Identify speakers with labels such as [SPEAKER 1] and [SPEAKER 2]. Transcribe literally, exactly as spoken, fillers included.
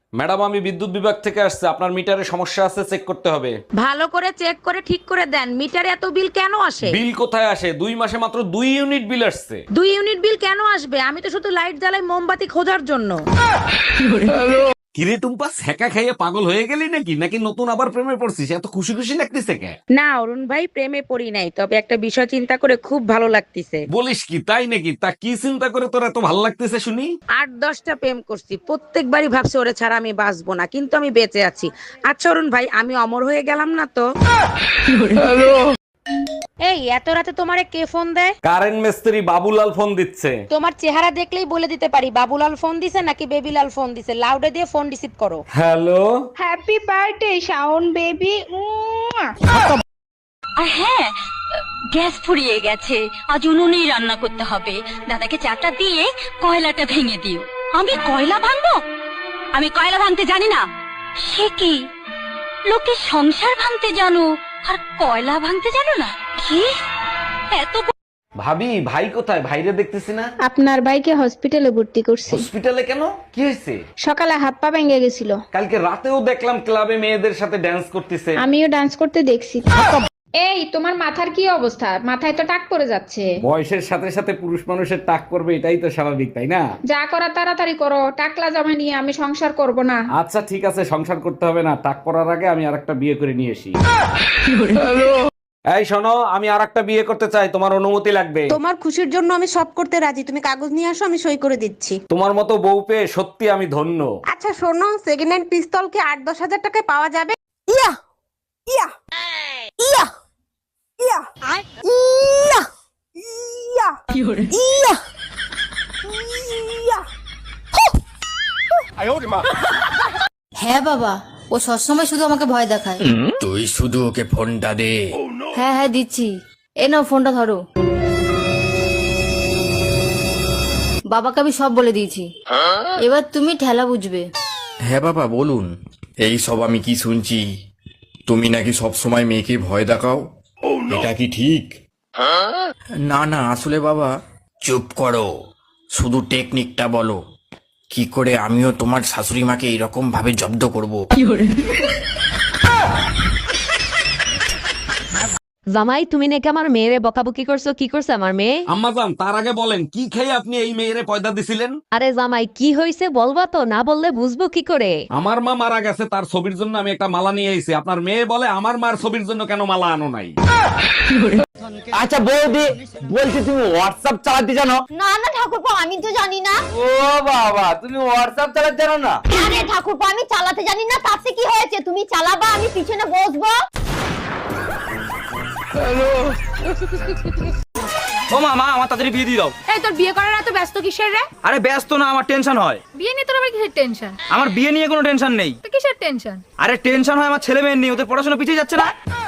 [SPEAKER 1] Madam আমি বিদ্যুৎ বিভাগ থেকে আসছে, আপনার মিটারে সমস্যা আছে, চেক করতে হবে।
[SPEAKER 2] ভালো করে চেক করে ঠিক করে দেন, মিটারে এত বিল কেন আসে?
[SPEAKER 1] বিল কোথায় আসে? দুই মাসে মাত্র দুই ইউনিট বিল আসছে।
[SPEAKER 2] দুই ইউনিট বিল কেন আসবে? আমি তো শুধু লাইট জ্বালাই মোমবাতি খোঁজার জন্য।
[SPEAKER 1] কিরে টুম্পা, সেকা খাইয়ে পাগল হয়ে গেলি নাকি নাকি নতুন আবার প্রেমে পড়ছিস? এত খুশি খুশি লাগতেছে কে?
[SPEAKER 2] না অরুণ ভাই, প্রেমে পড়ি নাই, তবে একটা বিষয় চিন্তা করে খুব ভালো লাগতেছে।
[SPEAKER 1] বলিস কি, তাই নাকি? তা কি চিন্তা করে তোর এত ভালো লাগতেছে শুনি?
[SPEAKER 2] আট দশটা প্রেম করছি, প্রত্যেকবারই ভাবছি ওরে ছাড়া আমি বাঁচবো না, কিন্তু আমি বেঁচে আছি। আচ্ছা অরুণ ভাই, আমি অমর হয়ে গেলাম না তো? এই এত রাতে তোমারে কে ফোন দেয়?
[SPEAKER 1] কারেন্ট মিস্ত্রি বাবুলাল ফোন দিচ্ছে।
[SPEAKER 2] তোমার চেহারা দেখলেই বলে দিতে পারি বাবুলাল ফোন দিছে নাকি বেবিলাল ফোন দিছে। লাউডে দিয়ে ফোন রিসিভ করো।
[SPEAKER 1] Hello.
[SPEAKER 3] Happy birthday Shaon baby.
[SPEAKER 4] আর হ্যাঁ, গ্যাস ফুরিয়ে গেছে, আজ উনুনেই রান্না করতে হবে। দাদাকে চাটা দিয়ে কয়লাটা ভেঙে দিও। আমি কয়লা ভাঙবো? আমি কয়লা ভাঙতে জানি না। সে কি, লোকে সংসার ভাঙতে জানো আর কয়লা ভাঙতে জানো না? কি এত
[SPEAKER 1] ভাবি, ভাই কোথায়? ভাইরে দেখতেছি না।
[SPEAKER 3] আপনার ভাইকে হসপিটালে ভর্তি করছি।
[SPEAKER 1] হসপিটালে কেন? কি হয়েছে?
[SPEAKER 3] সকালে হাত পা ভেঙে গেছিল।
[SPEAKER 1] কালকে রাতেও দেখলাম ক্লাবে মেয়েদের সাথে ড্যান্স করতেছে।
[SPEAKER 3] আমিও ডান্স করতে দেখছি। এই তোমার মাথার কি অবস্থা? মাথায় তো টাক পড়ে যাচ্ছে।
[SPEAKER 1] বয়সের সাথে সাথে পুরুষ মানুষের টাক করবে, এটাই তো স্বাভাবিক, তাই না?
[SPEAKER 3] যা করা তাড়াতাড়ি করো, টাকলা জামা নিয়ে আমি সংসার করব না।
[SPEAKER 1] আচ্ছা ঠিক আছে, সংসার করতে হবে না। টাক পড়ার আগে আমি আরেকটা বিয়ে করে নিয়ে আসি। এই শোনো, আমি আরেকটা বিয়ে করতে চাই, তোমার অনুমতি লাগবে।
[SPEAKER 2] তোমার খুশির জন্য আমি সব করতে রাজি, তুমি কাগজ নিয়ে আসো, আমি সই করে দিচ্ছি।
[SPEAKER 1] তোমার মতো বউ পেয়ে সত্যি আমি ধন্য।
[SPEAKER 2] আচ্ছা শোনো, সেকেন্ড হ্যান্ড পিস্তল কি আট দশ হাজার টাকায় পাওয়া যাবে? ইয়া ইয়া ইয়া ইয়া ইয়া ইয়া ইয়া ইয়া।
[SPEAKER 5] হ্যাঁ বাবা, ও সবসময় শুধু আমাকে ভয় দেখায়।
[SPEAKER 6] তুই শুধু ওকে ফোনটা দে।
[SPEAKER 5] হ্যাঁ হ্যাঁ দিচ্ছি, এ নাও ফোনটা ধরো। বাবাকে আমি সব বলে দিয়েছি, এবার তুমি ঠেলা বুঝবে।
[SPEAKER 6] হ্যাঁ বাবা বলুন। এই সব আমি কি শুনছি? তুমি নাকি সব সময় মেয়েকে ভয় দেখাও, এটা কি ঠিক? না না, আসলে বাবা। চুপ করো, শুধু টেকনিকটা বলো, কি করে আমিও তোমার শাশুড়ি মাকে এইরকম ভাবে জব্দ করব।
[SPEAKER 7] জামাই, তুমি নাকি আমার মেয়েরে বকাবকি করছো, কি করছে আমার মেয়ে?
[SPEAKER 1] আম্মাজান, তার আগে বলেন কি খেয়ে আপনি এই মেয়েরে পয়দা দিছিলেন?
[SPEAKER 7] আরে জামাই, কি হয়েছে বলবা তো, না বললে বুঝবো কি করে?
[SPEAKER 1] আমার মা মারা গেছে, তার ছবির জন্য আমি একটা মালা নিয়ে এসেছি। আপনার মেয়ে বলে আমার মার ছবির জন্য কেন মালা আনো নাই?
[SPEAKER 8] আচ্ছা বৌদি, বলছি তুমি হোয়াটসঅ্যাপ চালাতে জানো?
[SPEAKER 5] না না ঠাকুরপো, আমি তো জানি না।
[SPEAKER 8] ও বাবা, তুমি হোয়াটসঅ্যাপ চালাতে জানো না?
[SPEAKER 5] আরে ঠাকুরপো, আমি চালাতে জানি না, তাতে কি হয়েছে? তুমি চালাবা, আমি পিছনে বসবো।
[SPEAKER 8] ও মামা, আমার তাড়াতাড়ি বিয়ে দিয়ে দাও।
[SPEAKER 2] এই তোর বিয়ে করার এত ব্যস্ত কিসের রে?
[SPEAKER 8] আরে ব্যস্ত না, আমার টেনশন হয়।
[SPEAKER 2] বিয়ে নিয়ে তোর আবার কিসের টেনশন?
[SPEAKER 8] আমার বিয়ে নিয়ে কোনো টেনশন নেই।
[SPEAKER 2] তো কিসের টেনশন?
[SPEAKER 8] আরে টেনশন হয় আমার ছেলে মেয়ের নিয়ে, ওদের পড়াশোনা পিছিয়ে যাচ্ছে না।